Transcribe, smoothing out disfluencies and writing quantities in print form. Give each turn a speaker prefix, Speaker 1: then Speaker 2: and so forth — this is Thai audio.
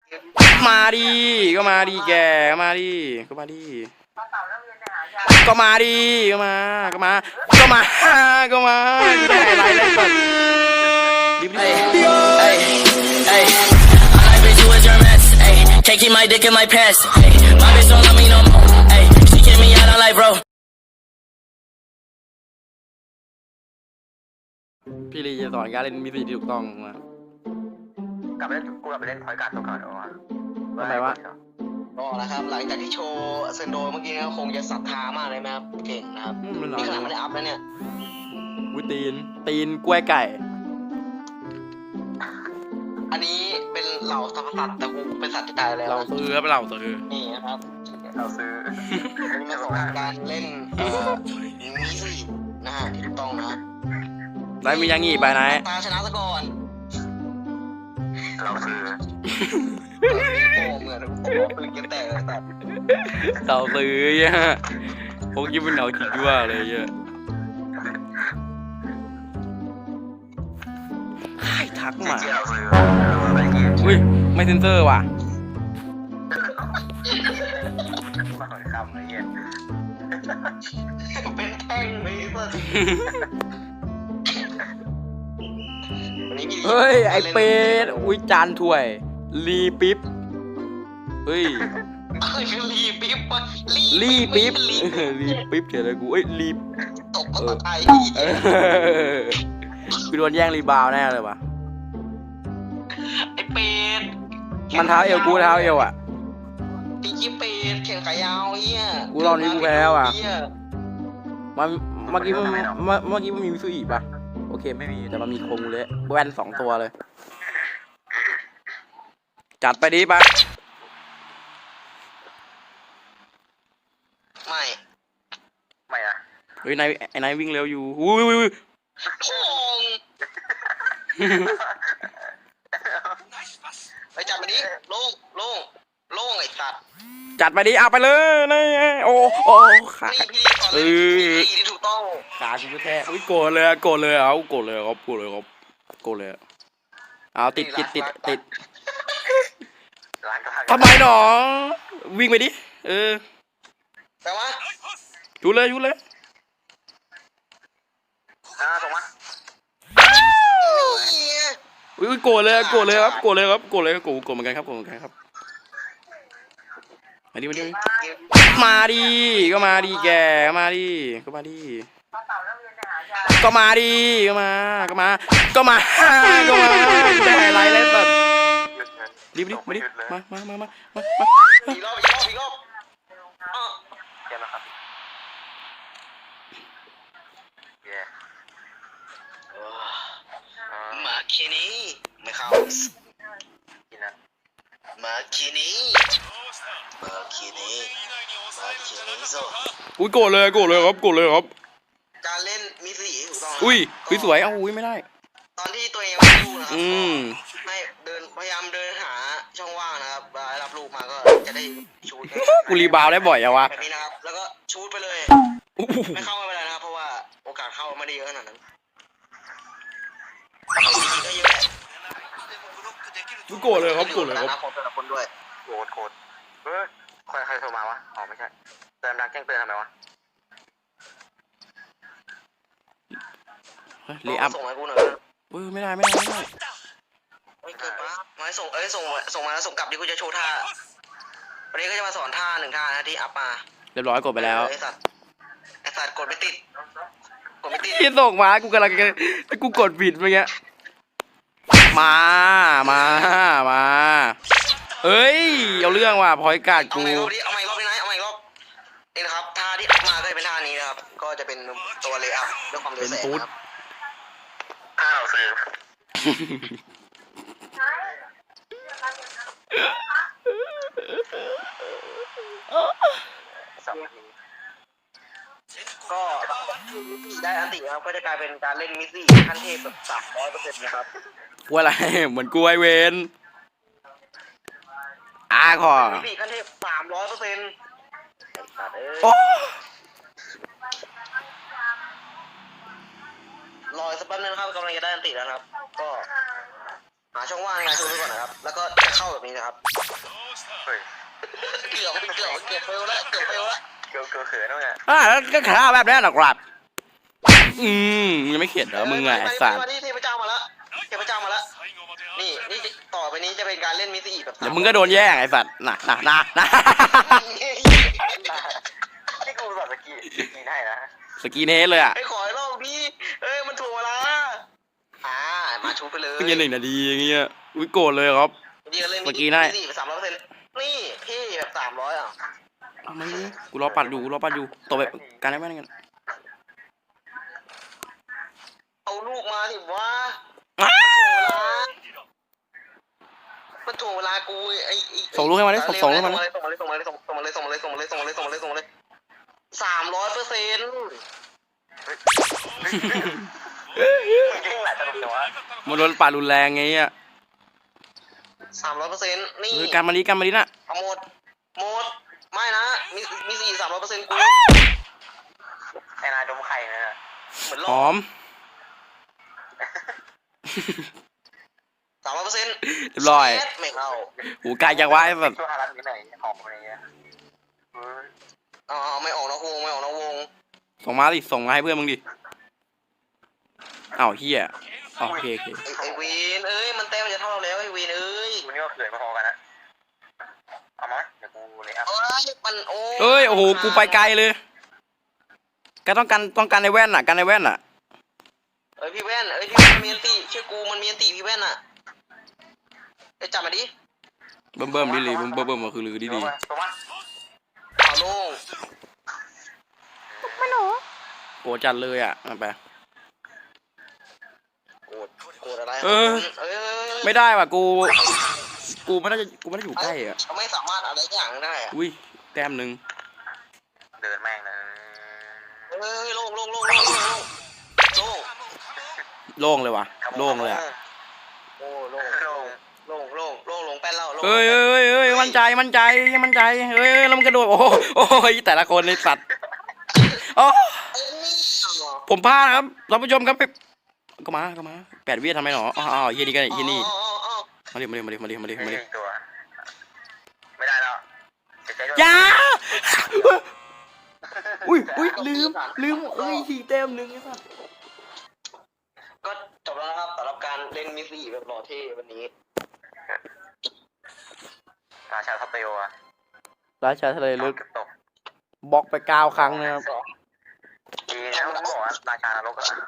Speaker 1: มาดิก็มาดิแกมาดิก็มาดิก็มาดิก็มาก็มาก็มาก็มาไม่ได้อะไรเลยก่อนรีบ
Speaker 2: My bitch, you is your mess. Ay, can't keep my dick in my pants. Ay, my bitch don't love me no more. Ay, she kick me out, I'm like, bro.
Speaker 1: พี่ลีจะสอนการเล่นมิสซิที่ถูกต้องมาก
Speaker 3: ลับไปเล่นกูกลับไปเล่นพอยการ์ดตัวก่อนเอาวะ
Speaker 1: ทำไมวะ
Speaker 4: ก็นะครับหลังจากที่โชว์เซนโดเมื่อกี้ก็คงจะศรัทธามากเลยไหมครับเก่งนะครับ
Speaker 1: มันหล่อ
Speaker 4: นี่ขนาดไม่ได้อัพแล้วเนี่ย
Speaker 1: วุ้ยตีนกล้วยไก่
Speaker 4: อันนี้เป็นเหล่าสัตว์แต่กูเป็นสัตว์ที่ตายแล้ว
Speaker 1: เราซื้อครับเราซื้อ
Speaker 4: นี่นะครับ
Speaker 3: เราซื้อ
Speaker 4: อันนี้มาสอนการเล่นมิสซี่นะฮะที่ถูกต้องนะ
Speaker 1: ได้มียังงี้ไปไหน
Speaker 4: ตาชนะซะก่อน
Speaker 3: เราซื้อ
Speaker 4: โอ้เหมือนโอ้ปืนเก็บแตกเลยแต่
Speaker 1: เราซื้อเนี่ยพวกยิ่งเป็นเหนาขิดยั่วเลยเยอะใครทักมา
Speaker 3: เราซื้อเราซื้อไปเกียร์
Speaker 1: อุ้ยไม่เซนเซอร์ว่ะ
Speaker 3: มาหน่อยคำเลยเย็น
Speaker 4: เป็นแท่งเลยสัส
Speaker 1: เฮ้ยไอเป็ดอุ้ยจานถ้วยรีปิ๊บเฮ้ย
Speaker 4: รีปิ๊บวะ
Speaker 1: รีปิ๊บ
Speaker 4: รี
Speaker 1: รีปิ๊บเฉยเลยกูเอ้ยรี
Speaker 4: ตกภาษาไทย
Speaker 1: กูโดนแย่งรีบาวแน่เลยว่ะ
Speaker 4: ไอเป็ด
Speaker 1: มันเท้าเอวกูเท้าเอวอ่ะ
Speaker 4: ตีกี้เป็ดแข่งขายาวเฮีย
Speaker 1: กูรอบนี้กูแพ้แล้วอะ
Speaker 4: เหี้ย
Speaker 1: มันเมื่อกี้มันมีมิซูอีป่ะโอเคไม่มีแต่มันมีโคงเลยแว่น2 ตัวเลย จัดไปดิปะ
Speaker 4: ไม่
Speaker 3: ไม่อะ
Speaker 1: เฮ้ยไอ้นายวิ่งเร็วอยู่อุ้ย
Speaker 4: พงไปจับมันนี้โล่งไอ้สัตว์
Speaker 1: จัดไปดิเอาไปเลยนี่โอ้ขา
Speaker 4: นี่พี่ตอน
Speaker 1: เอ
Speaker 4: นี้
Speaker 1: อ
Speaker 4: ที่ถูกต้อง
Speaker 1: ขากูแท้อุ้ยโกรธเลยเอาโกรธเลยครับโกรธเลยเอาติด
Speaker 3: ร้านก็
Speaker 1: ทำไมหนอวิ่งไปดิ
Speaker 4: แต่ว่า
Speaker 1: ชูเลย
Speaker 3: ส่งมา
Speaker 1: อุ้ยโกรธเลยครับโกรธเหมือนกันครับมาดิมาดิก็มาดิแกมาดิก็มาดิก็มาดิก็มาได้อะไรเลยแบบรีบมาดิมา
Speaker 4: อีกรอบอ้อ
Speaker 3: เดี๋ยวนะครับเย้
Speaker 4: มาคินี่ไม่เข้า
Speaker 3: กินนะ
Speaker 4: มาคินี่โซ
Speaker 1: อุ้ยโกรธเลยครับ
Speaker 4: การเล่นมิสซี่ถูกต้อง
Speaker 1: อุ้ยสวยเอาอุ้ยไม่ได้
Speaker 4: ตอนที่ตัวเองไม่รู้นะครับ ให้พยายามเดินหาช่องว่างนะครับรับลูกมาก็จะได้ชูด
Speaker 1: กูรีบาวได้บ่อยอะวะ
Speaker 4: แบบนี้นะครับแล้วก็ชูดไปเลยไม่เข้าไม่เป็นไรนะครับเพราะว่าโอกาสเข้าไม่ได้เยอะขนาดนั้นก็เยอะแหละ
Speaker 1: โกรธเลยครับ
Speaker 4: ของแต่ละคนด้วย
Speaker 3: โคตรใครโทรมาวะอ๋อไม่ใช่เติมดังแจ้งเตือนทำไมวะ
Speaker 1: รีอัพ
Speaker 4: ส่งมากูหน่อย
Speaker 1: ไม่ได้
Speaker 4: ไม่เกินปะมาส่งส่งมาแล้วส่งกลับดิกูจะโชว์ท่าวันนี้ก็จะมาสอนท่า1 ท่านะที่อัพมา
Speaker 1: เรียบร้อยกดไปแล้ว
Speaker 4: ไอสัตว์กดไม่ติด
Speaker 1: ที่ส่งมากูกำลังจะกูกดผิดเมื่อกี้มาเอ้ยเอาเรื่องว่ะพอยการ์ด
Speaker 4: เอา
Speaker 1: กู
Speaker 4: ใหม่รอบนี้นะเอาใหม่รอบนี่นะครับท่าที่อัพมาก็จะเป็นท่านี้นะครับก็จะเป็นตัวเลย์อัพด้วยความเร็วแสงนะครับ
Speaker 3: ถ้าเราซื้อ 2 นาที
Speaker 4: ก็ได้อันตินะครับก็จะกลายเป็นการเล่นมิสซี่ขั้นเทพแบบ300%นะครับ
Speaker 1: กูอะไรเหมือนกูไอเวนขอ
Speaker 4: มิสซี่ขั้นเทพ300%
Speaker 1: โอ้
Speaker 4: รอสักแป๊บนึงนะครับกำลังจะได้อันติแล้วนะครับก็หาช่องว่างไงทุบไปก่อนนะครับแล้วก็จะเข้าแบบนี้นะครับ
Speaker 3: เฮ้ย
Speaker 4: เกือบเฟลแล้วเกือบเฟลแล้ว
Speaker 3: เกือบเขินแล้วไง
Speaker 1: แล้วก็ขาแบบนี้หรอกครับมึงยังไม่เข็ดเหรอมึงไงไอ้สัตว์
Speaker 4: มาที่เทพเจ้ามาแล้วเทพเจ้ามาแล้วนี่ต่อไปนี้จะเป็นการเล่นมิสซี่แบบ
Speaker 1: เดี๋ยวมึงก็โดนแย่งไอ้สัตว์น่ะ
Speaker 3: นี่กูสอนสกีให้นะ
Speaker 1: สกีเนสเลยอ่ะ
Speaker 4: ไอ้ขอให้รอบนี้เอ้ยมันถูกเวลามาชูไปเลย
Speaker 1: เพิ่งจะ1 นาทีอย่างเงี้ยอุ้ยโกรธเลยครับ
Speaker 4: นี่ก็เล่น
Speaker 1: เมื่อกี้ได้
Speaker 4: มิสซี่แบบ300%นี่พี่แบบ300อ่ะ
Speaker 1: เอามาดิกูรอปัดอยู่ต่อไปการได้ไหมกัน
Speaker 4: เอาลูกมาสิวะมันถ่วงเวลากูไอ้
Speaker 1: ส่งลูกให้มาดิส่งลูกให้มาดิ
Speaker 4: ส่งมาเลย300%
Speaker 3: มึงยิ่งหลายตลกจังวะ
Speaker 1: มันโดนปัดรุนแรงไงอ่ะ
Speaker 4: 300%นี่
Speaker 1: เฮ้ยการมาดิน่ะ
Speaker 4: เอาหมดไม่นะมี4 300%กู
Speaker 3: ไอ้นายดมไข่นะ
Speaker 4: เหมือนหล
Speaker 1: ห
Speaker 4: อ
Speaker 1: อก ม
Speaker 4: 300%
Speaker 1: เรียบร้อย
Speaker 4: ไม่เข้า
Speaker 1: หูกายจังวะไอ้แบบ
Speaker 3: ช่วงฮารันนี้ไหนหอมอะไรเงี้ย
Speaker 4: ไม่ออกนอกวง
Speaker 1: ส่งมาดิส่งมาให้เพื่อนมึงดิอ้าวเฮียโอเค
Speaker 4: ไอ้วีนเอ้ยมันแต้มมันจะเท่าเราแล้วไอ้วีนเอ้ย
Speaker 3: กูนี่ก็เขินมาพอกันนะเอามาเดี๋ยวกูเลยอ่ะ
Speaker 4: มันโอ้
Speaker 1: เอ้ยโอ้โหกูไปไกลเลยแกต้องการในแว่นอ่ะกันในแว่นอ่ะ
Speaker 4: พี่แว่นพี่แว่นมีอันตีเชื่อกูมันมีอันตีพี่แว่นอ่ะไปจับมาดิ
Speaker 1: เบิ่มดิเลยเบิ่มมาคือลือดี
Speaker 3: ตัวมา
Speaker 4: เอาลง
Speaker 1: โกจัดเลยอ่ะไป
Speaker 4: โกรธอะไร
Speaker 1: ไม่ได้ว่ะกูไม่ได้อยู่ใกล้อ่ะ
Speaker 4: เขาไม่สามารถอะไรอย่างได้อ่ะ
Speaker 1: อุ้ยแต้มหนึ่ง
Speaker 3: เดินแม่งนะ
Speaker 4: ลง
Speaker 1: โล่งเลยว่ะโล่งเลยอ่ะ
Speaker 4: โอ้ลงแป้นเล่า
Speaker 1: เอ้ยมั่นใจเฮ้ยแล้วมันกระโดดโอ้ยแต่ละคนในสัตว์อ๋อผมพลาดครับท่านผู้ชมครับก็มา8 วิทำไมหนออ๋อเฮียนี่กันเฮียนี่มาดิ
Speaker 3: ตัวไม่ได้แล้วเสียใจด้วย
Speaker 1: ยาอุ้ยลืมเอ้ยทีแต้มหนึ่งไอ้สัส
Speaker 4: ก็จบแล้วนะครับสำหรับการเล่นมิสซี่แบบหล่อเท่วันนี้
Speaker 3: ราชาทัพเตลอะ
Speaker 1: ราชาทะเลลึก
Speaker 3: ตก
Speaker 1: บล็อกไป9 ครั้งนะครับ
Speaker 3: ดีนะมึงบอกว่าราชานรกอะ